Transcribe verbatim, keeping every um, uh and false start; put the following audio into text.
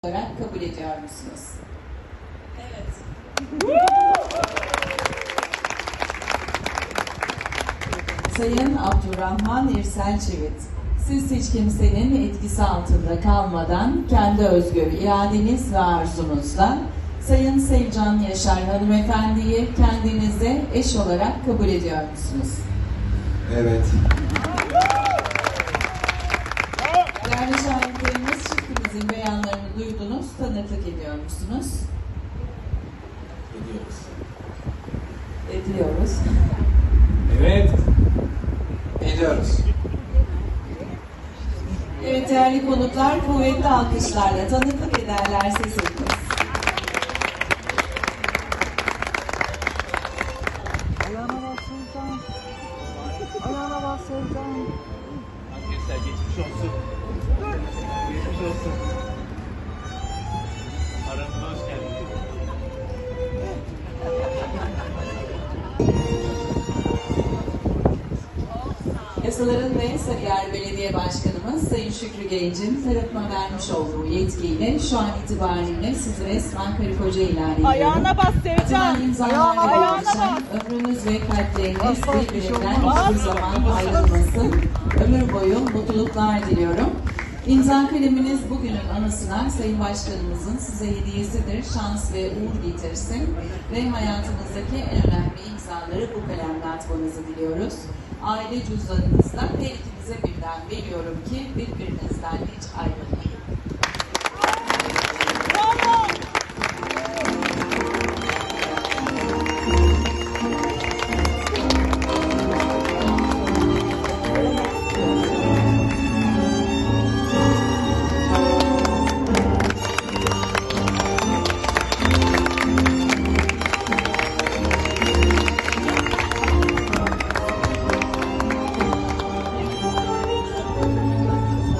olarak kabul ediyor musunuz? Evet. Sayın Abdurrahman İrsel Çivit, siz hiç kimsenin etkisi altında kalmadan kendi özgür iradeniz ve arzunuzla Sayın Sevcan Yaşar hanımefendiyi kendinize eş olarak kabul ediyor musunuz? Evet. Değerli şahitlerimiz, çiftimizin beyanlarını duydunuz, tanıklık ediyor musunuz? Ediyoruz. Ediyoruz. Evet. Ediyoruz. Evet değerli konuklar, kuvvetli alkışlarla tanıklık ederlerse seviniriz. Ayağına bak Sevcan. Ayağına bak Sevcan. Arkadaşlar geçmiş olsun. Geçmiş olsun. Aramıza hoş geldiniz. Yasaların ve Sarıyer Belediye Başkanımız Sayın Şükrü Genç'in tarafıma vermiş olduğu yetkiyle şu an itibariyle sizi resmen karı koca ilan ediyorum. Ayağına bas Sevcan. Atılan imzalarla Ayağına birleşen bas. ömrünüz ve kalpleriniz Bas, bas, bir şey birbirinden olmaz. hiçbir zaman ayrılmasın. Ömür boyu mutluluklar diliyorum. İmza kaleminiz bugünün anısına Sayın Başkanımızın size hediyesidir. Şans ve uğur getirsin. Ve hayatınızdaki en önemli imzaları bu kalemle atmanızı diliyoruz. Aile cüzdanınızda her ikinize birden veriyorum ki birbirinizden hiç ayrılmayın.